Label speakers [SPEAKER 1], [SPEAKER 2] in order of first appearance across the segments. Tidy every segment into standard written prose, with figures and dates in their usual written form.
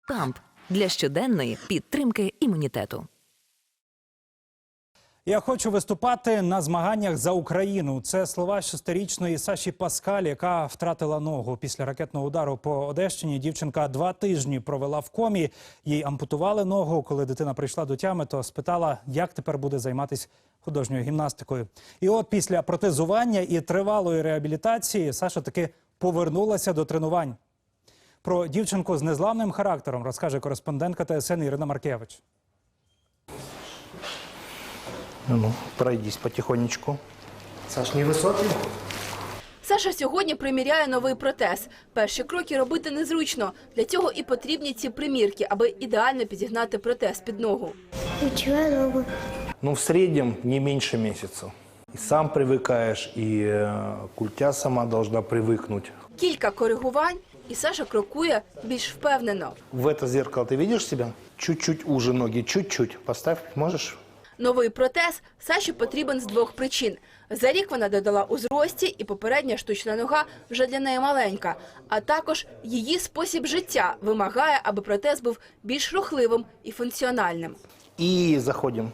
[SPEAKER 1] КАМП для щоденної підтримки імунітету.
[SPEAKER 2] Я хочу виступати на змаганнях за Україну. Це слова 6-річної Саші Паскаль, яка втратила ногу. Після ракетного удару по Одещині дівчинка 2 тижні провела в комі. Їй ампутували ногу. Коли дитина прийшла до тями, то спитала, як тепер буде займатися художньою гімнастикою. І от після протезування і тривалої реабілітації Саша таки повернулася до тренувань. Про дівчинку з незламним характером розкаже кореспондентка ТСН Ірина Маркевич.
[SPEAKER 3] Ну, пройдись потихонечку.
[SPEAKER 4] Саш, невисокий?
[SPEAKER 5] Саша сьогодні приміряє новий протез. Перші кроки робити незручно. Для цього і потрібні ці примірки, аби ідеально підігнати протез під ногу.
[SPEAKER 4] Відчуваю ногу.
[SPEAKER 3] Ну, в среднем не меньше месяца. И сам привыкаешь, и культя сама должна привыкнуть.
[SPEAKER 5] Кілька коригувань, і Саша крокує більш впевнено.
[SPEAKER 3] В это зеркало ты видишь себя? Чуть-чуть уже ноги, чуть-чуть. Поставь, можешь?
[SPEAKER 5] Новий протез Саші потрібен з 2 причин. За рік вона додала у зрості, і попередня штучна нога вже для неї маленька. А також її спосіб життя вимагає, аби протез був більш рухливим і функціональним.
[SPEAKER 3] И заходим.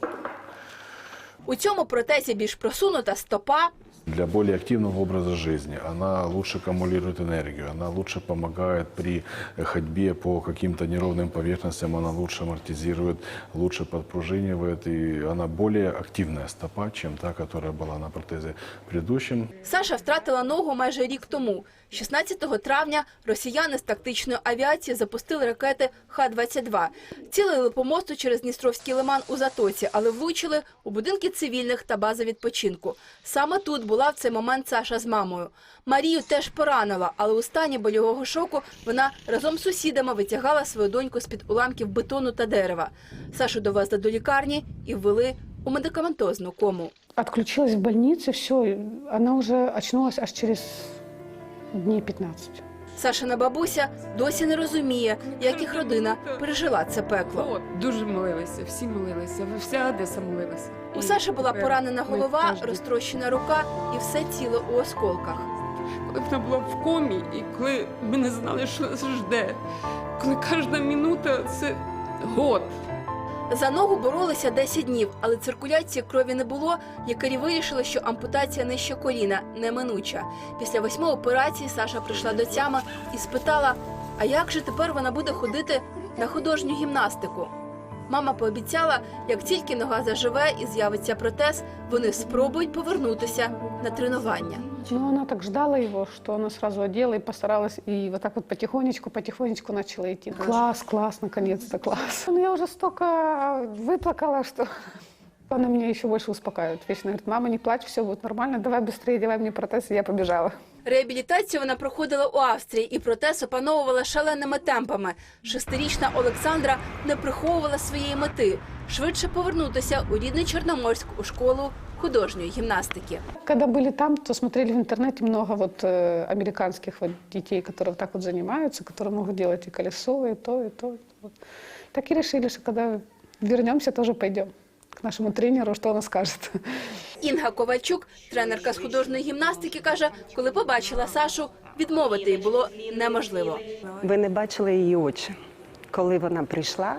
[SPEAKER 5] У цьому протезі більш просунута стопа,
[SPEAKER 6] Для более активного образа жизни. Она лучше аккумулирует энергию, она лучше помогает при ходьбе по каким-то неровным поверхностям, она лучше амортизирует, лучше подпружинивает, и она более активная стопа, чем та, которая была на протезе предыдущем.
[SPEAKER 5] Саша втратила ногу майже рік тому. 16 травня росіяни з тактичної авіації запустили ракети Х-22. Цілили по мосту через Дністровський лиман у Затоці, але влучили у будинки цивільних та бази відпочинку. Саме тут була в цей момент Саша з мамою. Марію теж поранила, але у стані больового шоку вона разом з сусідами витягала свою доньку з-під уламків бетону та дерева. Сашу довезли до лікарні і ввели у медикаментозну кому.
[SPEAKER 7] Отключилась в больнице, все, она уже очнулась аж через дней 15.
[SPEAKER 5] Сашина бабуся досі не розуміє, як їх родина пережила це пекло.
[SPEAKER 8] Дуже молилися, всі молилися, вся Одеса молилася.
[SPEAKER 5] У Саші була поранена голова, розтрощена рука і все тіло у осколках.
[SPEAKER 8] Коли вона була в комі, і коли ми не знали, що нас жде, коли кожна минута – це год.
[SPEAKER 5] За ногу боролися 10 днів, але циркуляції крові не було. Лікарі вирішили, що ампутація нижче коліна неминуча. Після 8 операцій Саша прийшла до тями і спитала, а як же тепер вона буде ходити на художню гімнастику? Мама пообіцяла, як тільки нога заживе і з'явиться протез, вони спробують повернутися на тренування.
[SPEAKER 7] Но она так ждала его, что она сразу одела и постаралась, и вот так вот потихонечку начала идти. Класс, наконец-то класс. Ну, я уже столько выплакала, что она меня еще больше успокаивает. Вечно говорит, мама, не плачь, все будет нормально, давай быстрее, давай мне протез, и я побежала.
[SPEAKER 5] Реабілітацію вона проходила у Австрії і протез опановувала шаленими темпами. 6-річна Олександра не приховувала своєї мети – швидше повернутися у рідний Чорноморськ у школу художньої гімнастики.
[SPEAKER 7] Когда были там, то смотрели в интернете много вот американских вот детей, которые вот так вот занимаются, которые могут делать и колесо, и то, и то. И то. Так и решили, что когда вернемся, тоже пойдем к нашему тренеру, что он скажет.
[SPEAKER 5] Інга Ковальчук, тренерка з художньої гімнастики, каже, коли побачила Сашу, відмовити їй було неможливо.
[SPEAKER 9] Ви не бачили її очі. Коли вона прийшла,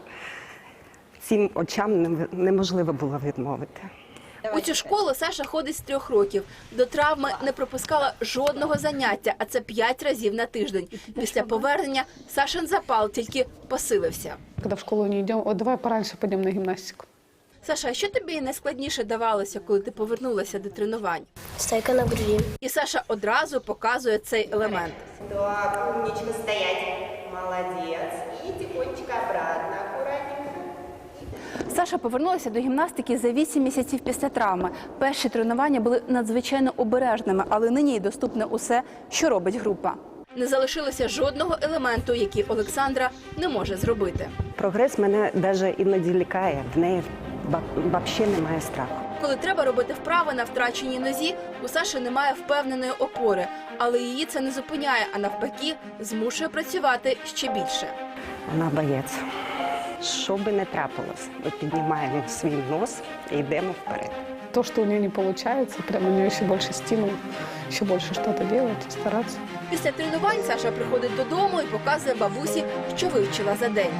[SPEAKER 9] цим очам неможливо було відмовити.
[SPEAKER 5] У цю школу Саша ходить з 3 років. До травми не пропускала жодного заняття, а це 5 разів на тиждень. Після повернення Сашин запал тільки посилився.
[SPEAKER 7] Когда в школу не идем, вот давай пораньше пойдем на гимнастику.
[SPEAKER 5] Саша, а що тобі найскладніше давалося, коли ти повернулася до тренувань?
[SPEAKER 4] Стойка на груді.
[SPEAKER 5] І Саша одразу показує цей елемент.
[SPEAKER 10] Так, умничка, стоять. Молодец. И тихонечко обратно, аккуратненько.
[SPEAKER 5] Саша повернулася до гімнастики за 8 місяців після травми. Перші тренування були надзвичайно обережними, але нині їй доступне усе, що робить група. Не залишилося жодного елементу, який Олександра не може зробити.
[SPEAKER 9] Прогрес мене навіть іноді лякає, в неї взагалі немає страху.
[SPEAKER 5] Коли треба робити вправи на втраченій нозі, у Саші немає впевненої опори. Але її це не зупиняє, а навпаки, змушує працювати ще більше.
[SPEAKER 9] Вона боїться. Що би не трапилось, ми піднімаємо свій нос і йдемо вперед.
[SPEAKER 7] То, что у нее не получается, прямо у нее еще больше стимул, еще больше что-то делать, стараться.
[SPEAKER 5] Після тренувань Саша приходить додому і показує бабусі, що вивчила за день.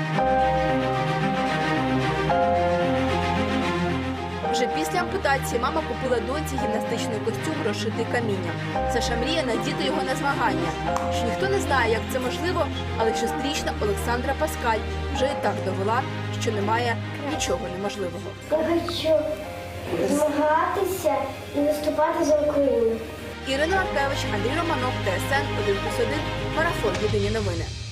[SPEAKER 5] Вже після ампутації мама купила доньці гімнастичний костюм, розшитий камінням. Саша мріє надіти його на змагання. Що ніхто не знає, як це можливо, але 6-річна Олександра Паскаль вже і так довела, що немає нічого неможливого.
[SPEAKER 4] Я хочу змагатися і виступати за Україну.
[SPEAKER 5] Ірина Маркевич, Андрій Романов, ТСН 1+1, Марафон. Єдині новини.